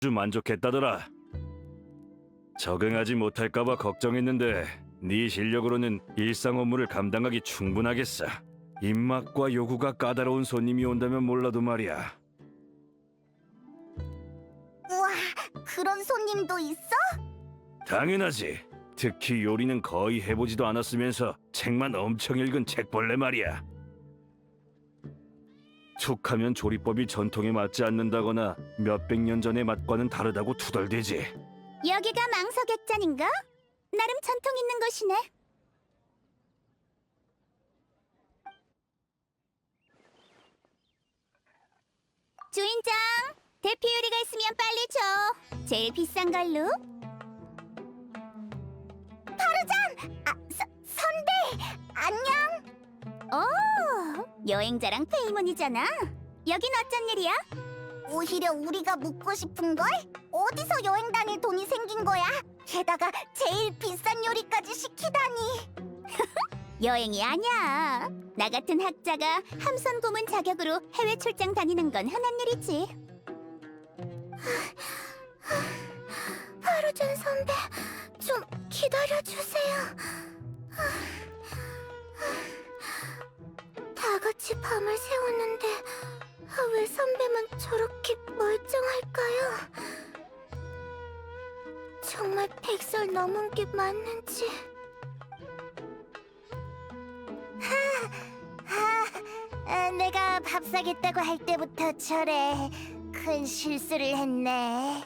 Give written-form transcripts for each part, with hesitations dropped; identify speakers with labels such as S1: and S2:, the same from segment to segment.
S1: 아주 만족했다더라. 적응하지 못할까봐 걱정했는데 네 실력으로는 일상 업무를 감당하기 충분하겠어. 입맛과 요구가 까다로운 손님이 온다면 몰라도 말이야.
S2: 우와, 그런 손님도 있어?
S1: 당연하지. 특히 요리는 거의 해보지도 않았으면서 책만 엄청 읽은 책벌레 말이야. 툭하면 조리법이 전통에 맞지 않는다거나 몇백 년 전의 맛과는 다르다고 투덜대지.
S2: 여기가 망석액잔인가? 나름 전통 있는 곳이네. 주인장, 대피 요리가 있으면 빨리 줘. 제일 비싼 걸로. 파르잔! 선배! 안녕! 오, 여행자랑 페이몬이잖아. 여긴 어쩐 일이야? 오히려 우리가 묻고 싶은걸? 어디서 여행 다닐 돈이 생긴 거야? 게다가 제일 비싼 요리까지 시키다니. 여행이 아니야. 나 같은 학자가 함선 고문 자격으로 해외 출장 다니는 건 흔한 일이지. 하루전 선배, 좀 기다려주세요. 다 같이 밤을 새웠는데 왜 선배만 저렇게 멀쩡할까요? 정말 100살 넘은 게 맞는지. 내가 밥 사겠다고 할 때부터 저래 큰 실수를 했네.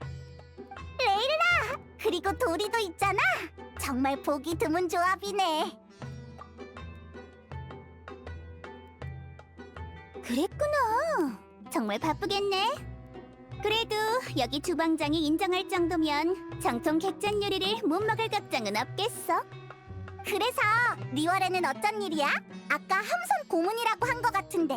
S2: 레일라! 그리고 도리도 있잖아. 정말 보기 드문 조합이네. 그랬구나. 정말 바쁘겠네. 그래도 여기 주방장이 인정할 정도면 정통 객잔 요리를 못 먹을 걱정은 없겠어. 그래서 리월에는 어쩐 일이야? 아까 함선 고문이라고 한 것 같은데.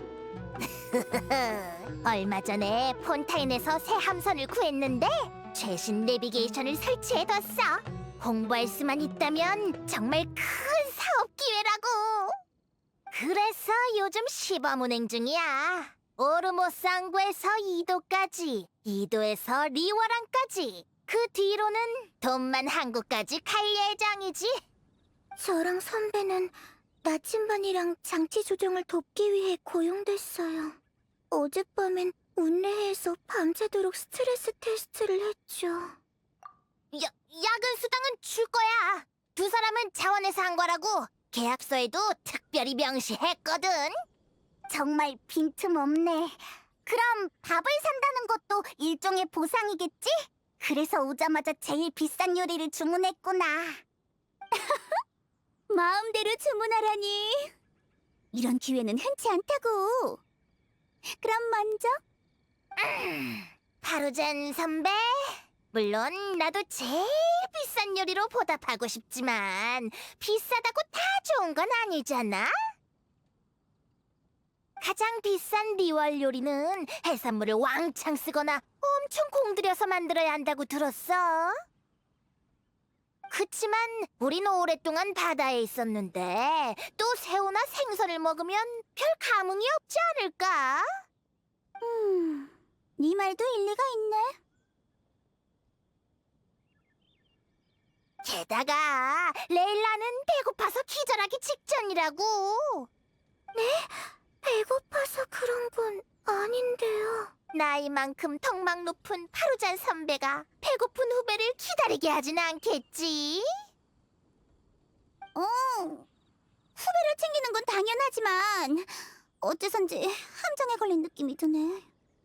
S2: 얼마 전에 폰타인에서 새 함선을 구했는데 최신 내비게이션을 설치해뒀어. 홍보할 수만 있다면 정말 큰 사업 기회라고. 그래서 요즘 시범 운행 중이야. 오르모상구에서 이도까지, 이도에서 리워랑까지. 그 뒤로는 돈만 한국까지 갈 예정이지. 저랑 선배는 나침반이랑 장치 조정을 돕기 위해 고용됐어요. 어젯밤엔 운례회에서 밤새도록 스트레스 테스트를 했죠. 야근 수당은 줄 거야. 두 사람은 자원에서 한 거라고. 계약서에도 특별히 명시했거든. 정말 빈틈없네. 그럼 밥을 산다는 것도 일종의 보상이겠지? 그래서 오자마자 제일 비싼 요리를 주문했구나. 마음대로 주문하라니. 이런 기회는 흔치 않다고. 그럼 먼저. 파루잔 선배. 물론 나도 제일 비싼 요리로 보답하고 싶지만 비싸다고 다 좋은 건 아니잖아. 가장 비싼 리월 요리는 해산물을 왕창 쓰거나 엄청 공들여서 만들어야 한다고 들었어. 그치만 우린 오랫동안 바다에 있었는데 또 새우나 생선을 먹으면 별 감흥이 없지 않을까? 네 말도 일리가 있네. 게다가 레일라는 배고파서 기절하기 직전이라고. 네? 배고파서 그런 건 아닌데요. 나이만큼 턱막 높은 파루잔 선배가 배고픈 후배를 기다리게 하진 않겠지? 후배를 챙기는 건 당연하지만 어째선지 함정에 걸린 느낌이 드네.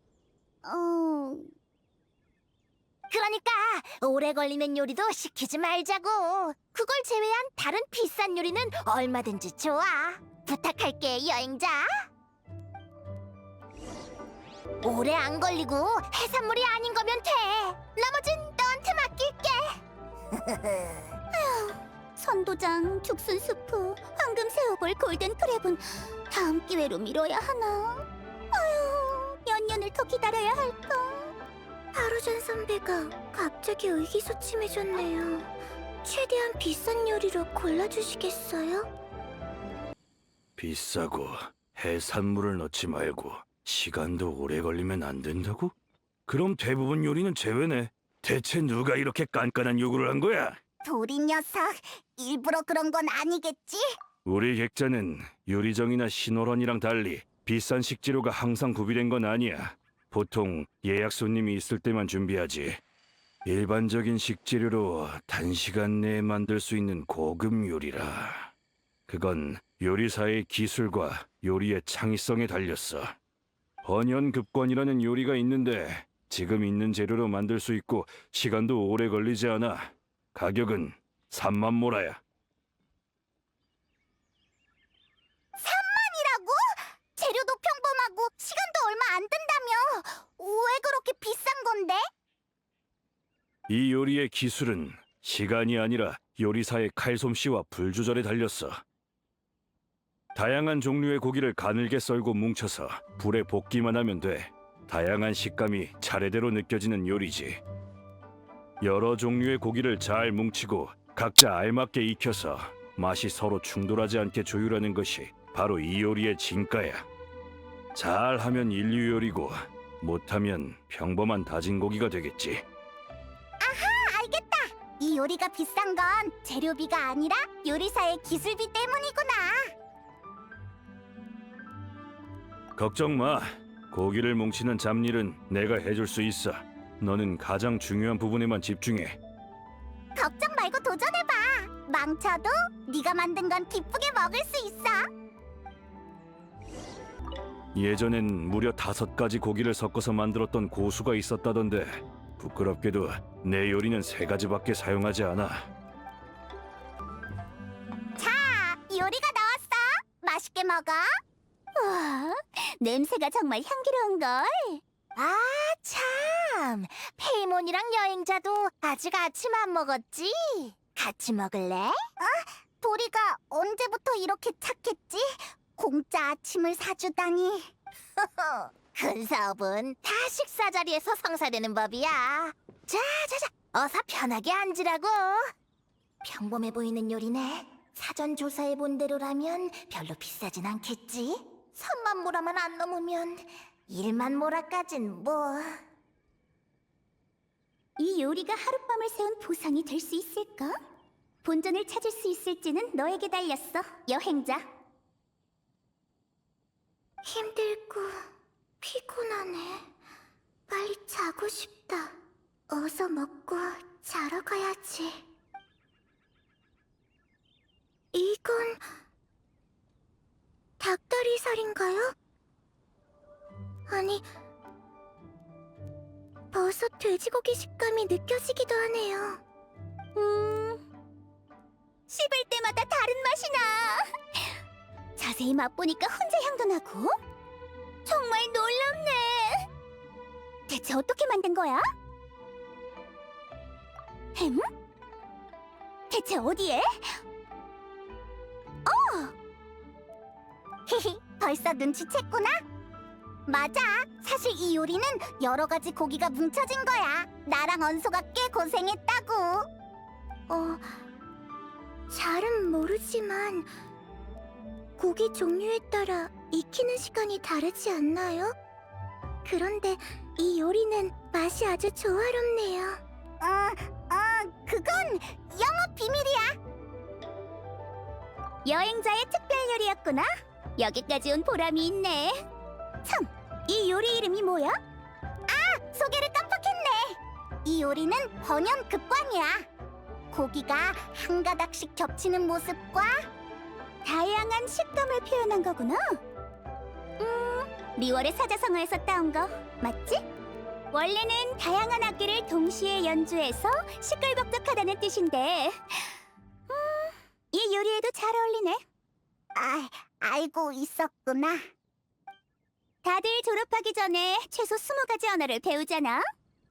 S2: 그러니까 오래 걸리는 요리도 시키지 말자고. 그걸 제외한 다른 비싼 요리는 얼마든지 좋아. 부탁할게, 여행자. 오래 안 걸리고 해산물이 아닌 거면 돼. 나머진 너한테 맡길게. 선도장, 죽순수프, 황금새우볼, 골든크랩은 다음 기회로 미뤄야 하나? 아유, 몇 년을 더 기다려야 할까? 하루전 선배가 갑자기 의기소침해졌네요. 최대한 비싼 요리로 골라주시겠어요?
S1: 비싸고 해산물을 넣지 말고 시간도 오래 걸리면 안 된다고? 그럼 대부분 요리는 제외네. 대체 누가 이렇게 깐깐한 요구를 한 거야?
S2: 도리 녀석, 일부러 그런 건 아니겠지?
S1: 우리 객자는 요리정이나 신호런이랑 달리 비싼 식재료가 항상 구비된 건 아니야. 보통 예약 손님이 있을 때만 준비하지. 일반적인 식재료로 단시간 내에 만들 수 있는 고급 요리라. 그건 요리사의 기술과 요리의 창의성에 달렸어. 번연급권이라는 요리가 있는데 지금 있는 재료로 만들 수 있고 시간도 오래 걸리지 않아. 가격은 3만 모라야.
S2: 3만이라고? 재료도 평범하고 시간도 얼마 안 든다며. 왜 그렇게 비싼 건데?
S1: 이 요리의 기술은 시간이 아니라 요리사의 칼솜씨와 불 조절에 달렸어. 다양한 종류의 고기를 가늘게 썰고 뭉쳐서 불에 볶기만 하면 돼. 다양한 식감이 차례대로 느껴지는 요리지. 여러 종류의 고기를 잘 뭉치고 각자 알맞게 익혀서 맛이 서로 충돌하지 않게 조율하는 것이 바로 이 요리의 진가야. 잘하면 인류 요리고 못하면 평범한 다진 고기가 되겠지.
S2: 알겠다. 이 요리가 비싼 건 재료비가 아니라 요리사의 기술비 때문이구나.
S1: 걱정 마. 고기를 뭉치는 잡일은 내가 해줄 수 있어. 너는 가장 중요한 부분에만 집중해.
S2: 걱정 말고 도전해봐. 망쳐도 네가 만든 건 기쁘게 먹을 수 있어.
S1: 예전엔 무려 5가지 고기를 섞어서 만들었던 고수가 있었다던데 부끄럽게도 내 요리는 3가지밖에 사용하지 않아.
S2: 자, 요리가 나왔어. 맛있게 먹어. 와, 냄새가 정말 향기로운걸. 아, 참. 페이몬이랑 여행자도 아직 아침 안 먹었지? 같이 먹을래? 도리가 언제부터 이렇게 착했지? 공짜 아침을 사주다니. 큰 사업은 다 식사 자리에서 성사되는 법이야. 자자자, 어서 편하게 앉으라고. 평범해 보이는 요리네. 사전 조사해 본 대로라면 별로 비싸진 않겠지? 3만 모라만 안 넘으면 1만 모라까진 뭐. 이 요리가 하룻밤을 새운 보상이 될 수 있을까? 본전을 찾을 수 있을지는 너에게 달렸어, 여행자. 힘들고 피곤하네. 빨리 자고 싶다. 어서 먹고 자러 가야지. 이건 닭다리살인가요? 아니, 버섯 돼지고기 식감이 느껴지기도 하네요. 씹을 때마다 다른 맛이 나. 자세히 맛보니까 훈제 향도 나고. 정말 놀랍네. 대체 어떻게 만든 거야? 햄? 대체 어디에? 히히, 벌써 눈치챘구나? 맞아. 사실 이 요리는 여러 가지 고기가 뭉쳐진 거야. 나랑 언소가 꽤 고생했다고. 잘은 모르지만 고기 종류에 따라 익히는 시간이 다르지 않나요? 그런데 이 요리는 맛이 아주 조화롭네요. 그건 영업 비밀이야. 여행자의 특별 요리였구나. 여기까지 온 보람이 있네. 참, 이 요리 이름이 뭐야? 소개를 깜빡했네. 이 요리는 번연급관이야. 고기가 한 가닥씩 겹치는 모습과 다양한 식감을 표현한 거구나. 리월의 사자성어에서 따온 거 맞지? 원래는 다양한 악기를 동시에 연주해서 시끌벅적하다는 뜻인데 이 요리에도 잘 어울리네. 알고 있었구나. 다들 졸업하기 전에 최소 20가지 언어를 배우잖아.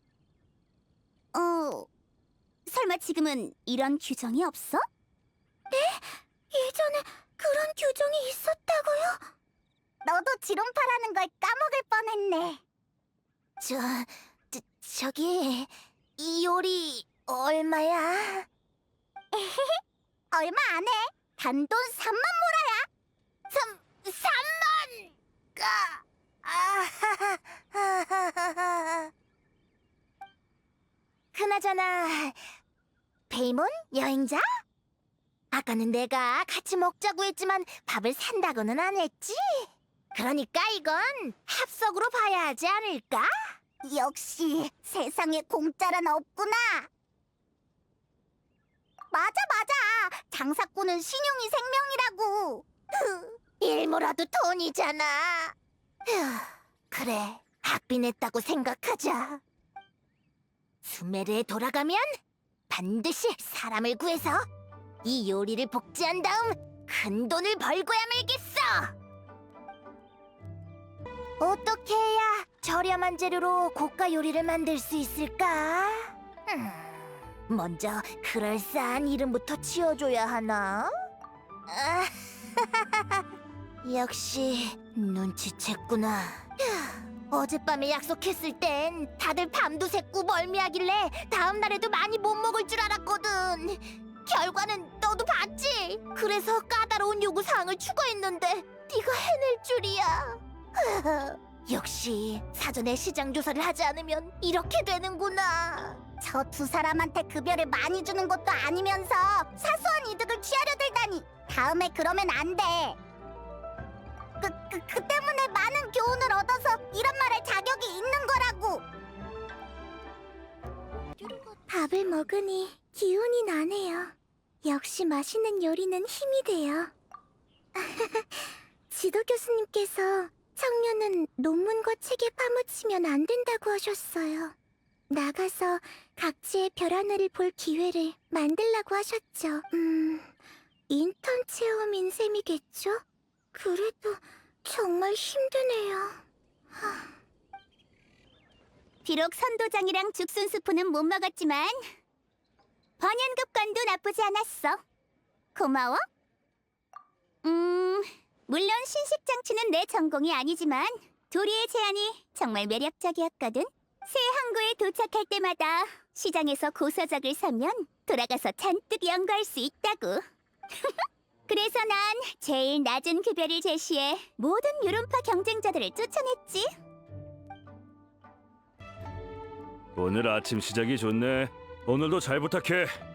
S2: 설마 지금은 이런 규정이 없어? 네? 예전에 그런 규정이 있었다고요? 너도 지론파라는 걸 까먹을 뻔했네. 저기 이 요리 얼마야? 얼마 안 해. 단돈 3만 모라야. 3만! 그나저나 페이몬 여행자? 아까는 내가 같이 먹자고 했지만 밥을 산다고는 안 했지? 그러니까 이건 합석으로 봐야 하지 않을까? 역시 세상에 공짜란 없구나. 맞아. 장사꾼은 신용이 생명이라고. 일모라도 돈이잖아. 그래, 학비 냈다고 생각하자. 수메르에 돌아가면 반드시 사람을 구해서 이 요리를 복제한 다음 큰 돈을 벌고야 말겠어. 어떻게 해야 저렴한 재료로 고가 요리를 만들 수 있을까? 먼저 그럴싸한 이름부터 지어줘야 하나? 역시 눈치챘구나. 어젯밤에 약속했을 땐 다들 밤도 새고 멀미하길래 다음 날에도 많이 못 먹을 줄 알았거든. 결과는 너도 봤지? 그래서 까다로운 요구사항을 추가했는데 네가 해낼 줄이야. 역시 사전에 시장 조사를 하지 않으면 이렇게 되는구나. 저 두 사람한테 급여를 많이 주는 것도 아니면서 사소한 이득을 취하려 들다니. 다음에 그러면 안 돼. 그 때문에 많은 교훈을 얻어서 이런 말 할 자격이 있는 거라고. 밥을 먹으니 기운이 나네요. 역시 맛있는 요리는 힘이 돼요. 지도 교수님께서 청년은 논문과 책에 파묻히면 안 된다고 하셨어요. 나가서 각지의 별 하늘을 볼 기회를 만들라고 하셨죠. 인턴 체험인 셈이겠죠? 그래도 정말 힘드네요. 비록 선도장이랑 죽순수프는 못 먹었지만 번연급관도 나쁘지 않았어. 고마워. 물론 신식장치는 내 전공이 아니지만 도리의 제안이 정말 매력적이었거든. 새 항구에 도착할 때마다 시장에서 고서적을 사면 돌아가서 잔뜩 연구할 수 있다고. 그래서 난 제일 낮은 급여를 제시해 모든 유론파 경쟁자들을 쫓아냈지.
S1: 오늘 아침 시작이 좋네. 오늘도 잘 부탁해.